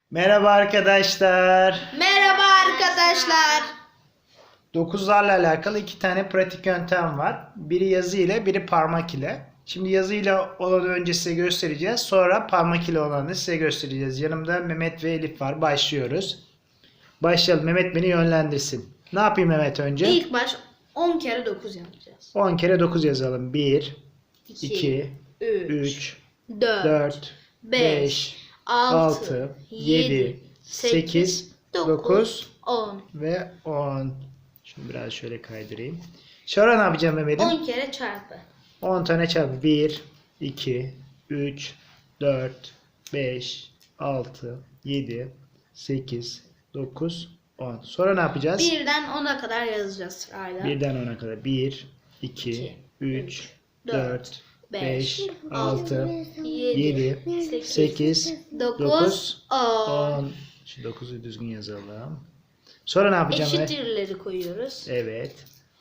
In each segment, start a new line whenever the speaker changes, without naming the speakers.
Merhaba arkadaşlar.
Merhaba arkadaşlar.
9'larla alakalı iki tane pratik yöntem var. Biri yazı ile, biri parmak ile. Şimdi yazı ile olanı önce size göstereceğiz. Sonra parmak ile olanı size göstereceğiz. Yanımda Mehmet ve Elif var. Başlıyoruz. Başlayalım. Mehmet beni yönlendirsin. Ne yapayım Mehmet önce?
İlk baş 10 kere 9 yapacağız.
10 kere 9 yazalım. 1,
2,
2,
3,
3,
4,
4, 5, 6, 7, 8, 9
10.
ve 10. Şimdi biraz şöyle kaydırayım. Sonra ne yapacağım Mehmet'im?
10 kere çarpı.
10 tane çarpı. 1, 2, 3, 4, 5, 6, 7, 8, 9, 10. Sonra ne yapacağız?
1'den 10'a kadar yazacağız sırayla.
1'den 10'a kadar. 1, 2, 3, 4, 5, 6, 7, 8, 9, 10. Şu 9'u düzgün yazalım. Sonra ne yapacağım?
Eşittirleri koyuyoruz.
Evet.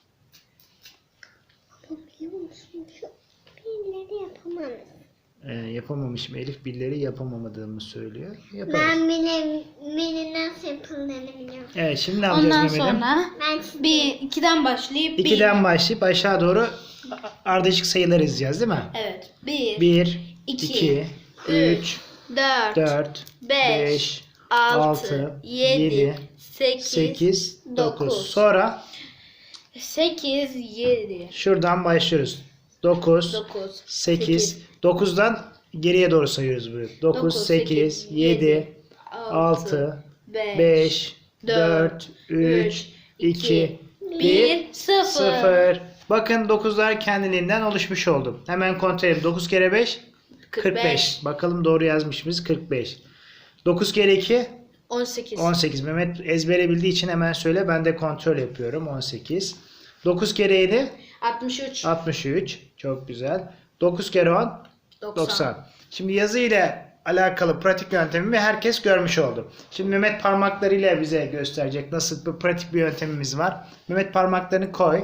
Yapamamışım. Elif billeri yapamamadığımı söylüyor. Yaparız.
Benim nasıl yapıldığını biliyorum.
Evet, şimdi ne yapacağız
Ondan
Mehmet'im?
sonra
Ben
2'den başlayıp
2'den başlayıp aşağı doğru ardışık sayılar yazacağız değil mi?
Evet. 1,
1,
2,
2, 3,
4,
4,
5,
5,
6,
6,
7,
7,
8,
8, 9.
9.
Sonra
8, 7,
şuradan başlıyoruz. 9,
9,
8, 9'dan geriye doğru sayıyoruz bunu. 9, 8, 7, 6, 5, 4, 3, 2, 1,
0.
0. Bakın 9'lar kendiliğinden oluşmuş oldu. Hemen kontrol edelim. 9 kere 5, 45. Bakalım doğru yazmış mıyız? 45. 9 kere 2,
18.
18. Mehmet ezbere bildiği için hemen söyle. Ben de kontrol yapıyorum. 18. 9 kere 7,
63.
63. Çok güzel. 9 kere 10,
90.
90. Şimdi yazı ile alakalı pratik yöntemimi herkes görmüş oldu. Şimdi Mehmet parmaklarıyla bize gösterecek nasıl bir pratik bir yöntemimiz var. Mehmet parmaklarını koy.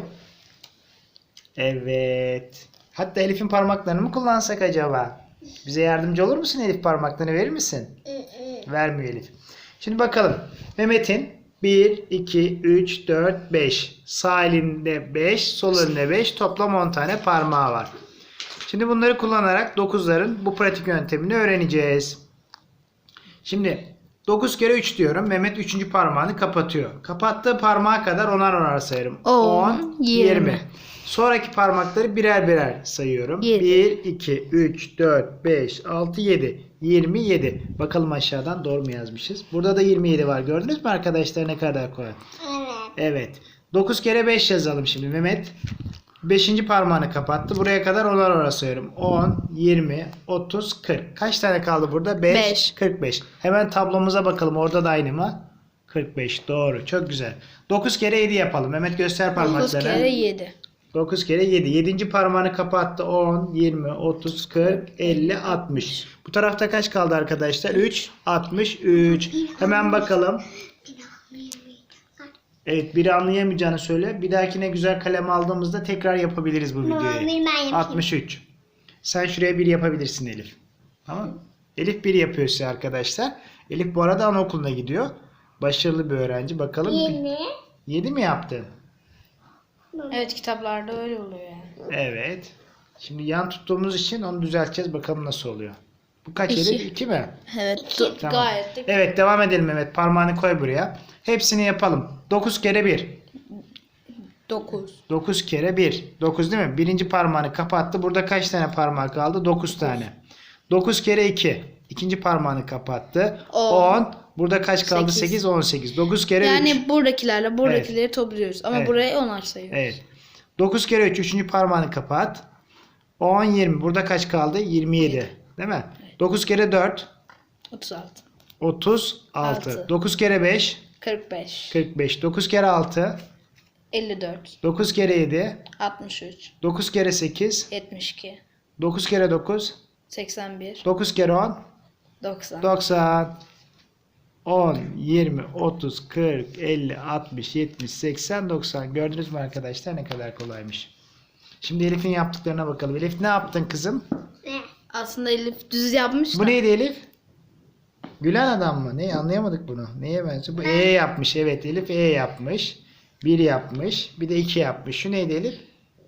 Evet. Hatta Elif'in parmaklarını mı kullansak acaba? Bize yardımcı olur musun Elif, parmaklarını verir misin? Vermiyor Elif. Şimdi bakalım. Mehmet'in 1, 2, 3, 4, 5. Sağ elinde 5, sol elinde 5. Toplam 10 tane parmağı var. Şimdi bunları kullanarak 9'ların bu pratik yöntemini öğreneceğiz. Şimdi 9 kere 3 diyorum. Mehmet 3. parmağını kapatıyor. Kapattığı parmağa kadar onar sayarım.
10, 20.
Sonraki parmakları birer birer sayıyorum.
7.
1, 2, 3, 4, 5, 6, 7. 27. Bakalım aşağıdan doğru mu yazmışız? Burada da 27 var. Gördünüz mü arkadaşlar ne kadar kolay?
Evet.
Evet. 9 kere 5 yazalım şimdi. Mehmet 5. parmağını kapattı. Buraya kadar onar sayıyorum. 10, 20, 30, 40. Kaç tane kaldı burada? 5, 45. Hemen tablomuza bakalım. Orada da aynı mı? 45. Doğru. Çok güzel. 9 kere 7 yapalım. Mehmet göster
9
parmaklarını.
kere 7.
9 kere 7. 7. parmağını kapattı. 10, 20, 30, 40, 50, 60. Bu tarafta kaç kaldı arkadaşlar? 3, 63. Hemen bakalım. Evet, biri anlayamayacağını söyle. Bir dahakine güzel kalem aldığımızda tekrar yapabiliriz bu videoyu.
Ben yapayım.
63. Sen şuraya bir yapabilirsin Elif. Tamam mı? Elif bir yapıyor size arkadaşlar. Elif bu arada anaokuluna gidiyor. Başarılı bir öğrenci. Bakalım.
20.
7 mi yaptın?
Evet, kitaplarda öyle oluyor yani.
Evet. Şimdi yan tuttuğumuz için onu düzelteceğiz. Bakalım nasıl oluyor. Bu kaç
İki.
Elif? 2 mi?
Evet,
Tamam.
gayet de
Evet, devam edelim Mehmet. Parmağını koy buraya. Hepsini yapalım. 9 kere 1.
9.
9 kere 1. 9 değil mi? Birinci parmağını kapattı. Burada kaç tane parmak kaldı? 9 tane. 9 kere 2. İkinci parmağını kapattı. 10. Burada kaç kaldı?
8.
8, 18. 9 kere 3.
Yani buradakileri topluyoruz. Ama
Evet.
buraya 10'ar sayıyoruz.
Evet. 9 kere 3. Üçüncü parmağını kapat. 10, 20. Burada kaç kaldı? 27. Değil mi? 9 kere 4.
36.
36.
Altı.
9 kere 5.
45.
45. 9 kere 6.
54.
9 kere 7.
63.
9 kere 8.
72.
9 kere 9.
81.
9 kere 10.
90.
90. 10, 20, 30, 40, 50, 60, 70, 80, 90. Gördünüz mü arkadaşlar ne kadar kolaymış. Şimdi Elif'in yaptıklarına bakalım. Elif ne yaptın kızım?
Ne?
Aslında Elif düz yapmış da.
Bu neydi Elif? Gülen adam mı? Ne anlayamadık bunu. Neye benziyor? Bu E yapmış. Evet Elif E yapmış. 1 yapmış. Bir de 2 yapmış. Şu neydi Elif?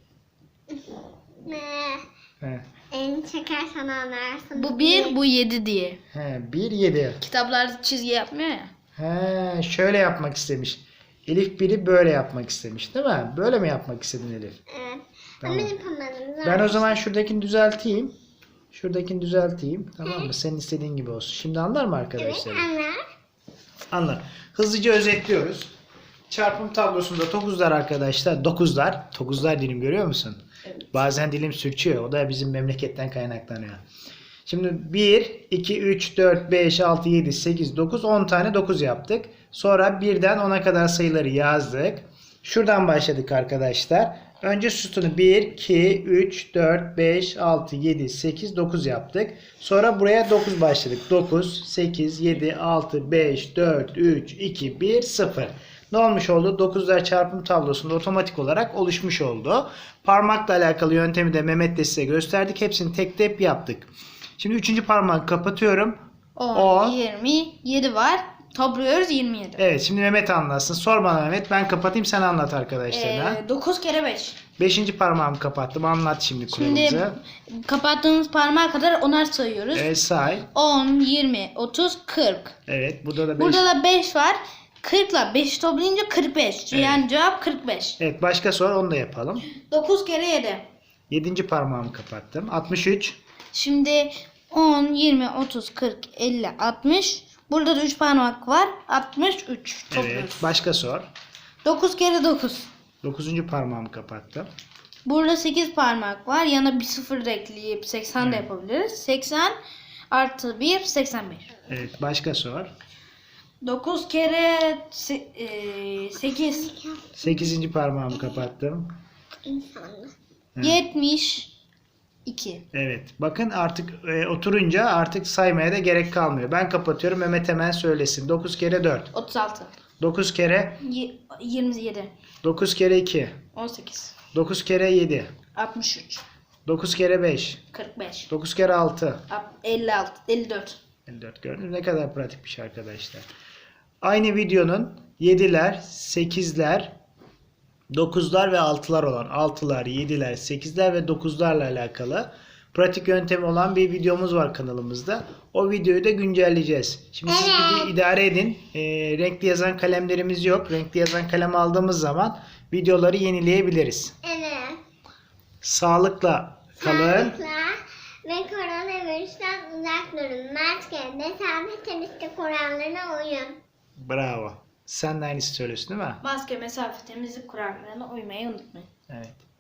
He.
Elini çekersen anlarsın.
Bu 1, bu 7 diye.
He, 1 7.
Kitaplarda çizgi yapmıyor ya.
He, şöyle yapmak istemiş. Elif 1'i böyle yapmak istemiş, değil mi? Böyle mi yapmak istedin Elif?
Evet.
Tamam.
Ama yapamadım.
Ben o zaman şuradakini düzelteyim. Şuradakini düzelteyim. Tamam mı? Senin istediğin gibi olsun. Şimdi anlar mı
Evet
arkadaşlar?
anlar.
Anlar. Hızlıca özetliyoruz. Çarpım tablosunda 9'lar arkadaşlar. 9'lar dilim görüyor musun?
Evet.
Bazen dilim sürçüyor. O da bizim memleketten kaynaklanıyor. Şimdi 1, 2, 3, 4, 5, 6, 7, 8, 9, 10 tane 9 yaptık. Sonra 1'den 10'a kadar sayıları yazdık. Şuradan başladık arkadaşlar. Önce sütunu 1, 2, 3, 4, 5, 6, 7, 8, 9 yaptık. Sonra buraya 9 başladık. 9, 8, 7, 6, 5, 4, 3, 2, 1, 0. Ne olmuş oldu? 9'lar çarpım tablosunda otomatik olarak oluşmuş oldu. Parmakla alakalı yöntemi de Mehmet de size gösterdik. Hepsini tek tek yaptık. Şimdi 3. parmağı kapatıyorum.
10, 20, 7 var. Topluyoruz 27.
Evet, şimdi Mehmet anlatsın. Sor bana Mehmet. Ben kapatayım, sen anlat arkadaşlarına.
9 kere 5.
5. parmağımı kapattım. Anlat şimdi
Şimdi
kuralımızı.
kapattığımız parmağa kadar onar sayıyoruz.
Evet, say.
10, 20, 30, 40.
Evet, burada da 5.
Burada da 5 var. 40 ile 5 toplayınca 45. Yani cevap 45.
Evet, başka sor, onu da yapalım.
9 kere 7.
7. parmağımı kapattım. 63.
Şimdi 10, 20, 30, 40, 50, 60. Burada da 3 parmak var. 63 topluyoruz.
Evet, başka sor.
9 kere 9.
9. parmağımı kapattım.
Burada 8 parmak var. Yana bir sıfır da ekleyip 80 de yapabiliriz. 80 artı 1, 81.
Evet, başka sor.
9 kere 8.
8. parmağımı kapattım.
İnsanlar.
72.
Evet, bakın artık oturunca artık saymaya da gerek kalmıyor. Ben kapatıyorum, Mehmet hemen söylesin. 9 kere 4.
36.
9 kere
27.
9 kere 2.
18.
9 kere 7.
63.
9 kere 5.
45.
9 kere 6.
56. 54.
54 gördünüz mü? Ne kadar pratik bir şey arkadaşlar. Aynı videonun 7'ler, 8'ler, 9'lar ve 6'lar olan 6'lar, 7'ler, 8'ler ve 9'larla alakalı pratik yöntemi olan bir videomuz var kanalımızda. O videoyu da güncelleyeceğiz. Şimdi siz bir idare edin. Renkli yazan kalemlerimiz yok. Renkli yazan kalem aldığımız zaman videoları yenileyebiliriz.
Evet.
Sağlıkla kalın.
Sağlıkla ve koronavirüsten uzak durun. Maske, mesafe, temizlik kurallarına uyun.
Bravo. Sen de aynısı söylüyorsun değil mi?
Maske, mesafe, temizlik kurallarına uymayı unutmayın.
Evet.